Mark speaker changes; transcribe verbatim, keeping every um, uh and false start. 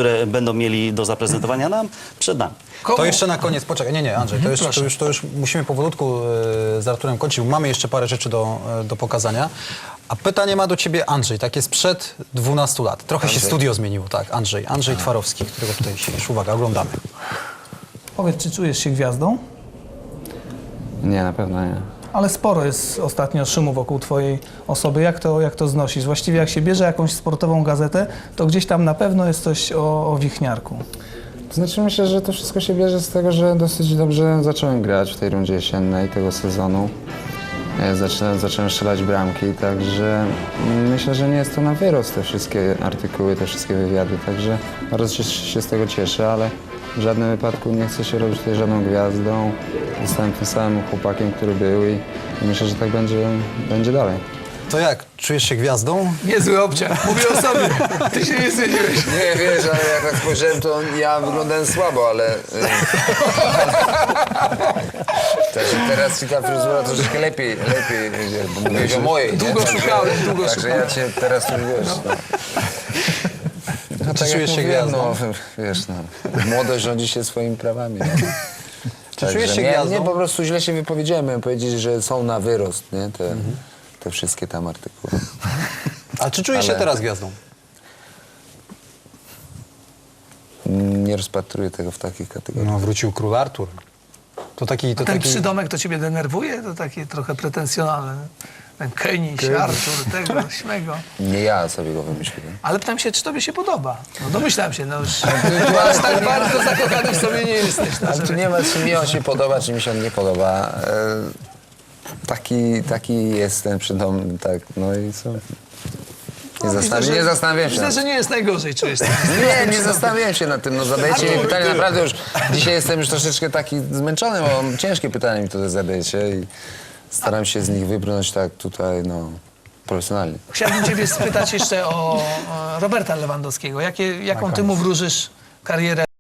Speaker 1: które będą mieli do zaprezentowania nam, przed nami.
Speaker 2: Komu?
Speaker 3: To jeszcze na koniec, poczekaj, nie, nie, Andrzej, to, jeszcze, to, już, to już musimy powolutku e, z Arturem kończyć, bo mamy jeszcze parę rzeczy do, e, do pokazania. A pytanie ma do ciebie Andrzej, tak jest sprzed dwunastu lat. Trochę
Speaker 4: Andrzej.
Speaker 3: się studio zmieniło, tak, Andrzej, Andrzej Twarowski, którego tutaj siedzisz. Uwaga, oglądamy.
Speaker 2: Powiedz, czy czujesz się gwiazdą?
Speaker 4: Nie, na pewno nie.
Speaker 2: Ale sporo jest ostatnio szumu wokół twojej osoby. Jak to, jak to znosisz? Właściwie jak się bierze jakąś sportową gazetę, to gdzieś tam na pewno jest coś o, o wichniarku.
Speaker 4: To znaczy myślę, że to wszystko się bierze z tego, że dosyć dobrze zacząłem grać w tej rundzie jesiennej tego sezonu. E, Zaczynałem, zacząłem strzelać bramki, także myślę, że nie jest to na wyrost te wszystkie artykuły, te wszystkie wywiady, także bardzo się, się z tego cieszę, ale w żadnym wypadku nie chcę się robić tutaj żadną gwiazdą. Zostałem tym samym chłopakiem, który był i, i myślę, że tak będzie, będzie dalej.
Speaker 3: To jak, czujesz się gwiazdą?
Speaker 2: Niezły obciach. Mówię o sobie. Ty się nie zwiedziłeś.
Speaker 5: Nie, wiesz, ale jak tak spojrzałem, to ja wyglądałem słabo, ale... y, Także teraz ci ta fryzura troszeczkę lepiej, lepiej, wiesz, bo mówiłeś o mojej.
Speaker 2: Długo
Speaker 5: nie? Także-
Speaker 2: szukałem, długo
Speaker 5: Także ja cię teraz tu, wiesz, no. No,
Speaker 3: Czy
Speaker 5: tak jak
Speaker 3: czujesz się
Speaker 5: mówiłem,
Speaker 3: gwiazdą?
Speaker 5: no, wiesz, no, młodość rządzi się swoimi prawami. No.
Speaker 3: Czy czujesz się
Speaker 5: nie,
Speaker 3: gwiazdą?
Speaker 5: nie, po prostu źle się wypowiedziałem, miałem powiedzieć, że są na wyrost, nie, te, te wszystkie tam artykuły.
Speaker 3: A czy czujesz się
Speaker 5: Ale-
Speaker 3: teraz gwiazdą?
Speaker 5: Nie rozpatruję tego w takich kategoriach.
Speaker 3: No, wrócił król Artur. To taki, to
Speaker 2: Ten
Speaker 3: taki...
Speaker 2: przydomek to ciebie denerwuje? To takie trochę pretensjonalne. Ten Keniś, Artur, tego, śmego.
Speaker 5: Nie ja sobie go wymyśliłem.
Speaker 2: Ale pytam się, czy tobie się podoba? No domyślałem się, no już. Ale tak bardzo zakochany w sobie nie jesteś. No,
Speaker 5: Ale tu
Speaker 2: żeby-
Speaker 5: nie ma, czy mi on się podoba, czy mi się on nie podoba. E, taki, taki jest ten przydom, tak, no i co? Nie,
Speaker 2: No,
Speaker 5: zastan-
Speaker 2: myślę, że-
Speaker 5: nie zastanawiam się.
Speaker 2: Myślę,
Speaker 5: nad-
Speaker 2: że nie jest najgorzej, czujesz się.
Speaker 5: Nie, nie zastanawiałem się nad tym, no zadajecie mi pytanie, naprawdę już, dzisiaj jestem już troszeczkę taki zmęczony, bo ciężkie pytania mi tutaj zadajecie i staram się z nich wybrnąć tak tutaj, no, profesjonalnie.
Speaker 2: Chciałbym ciebie spytać jeszcze o, o Roberta Lewandowskiego. Jakie, jaką ty mu wróżysz karierę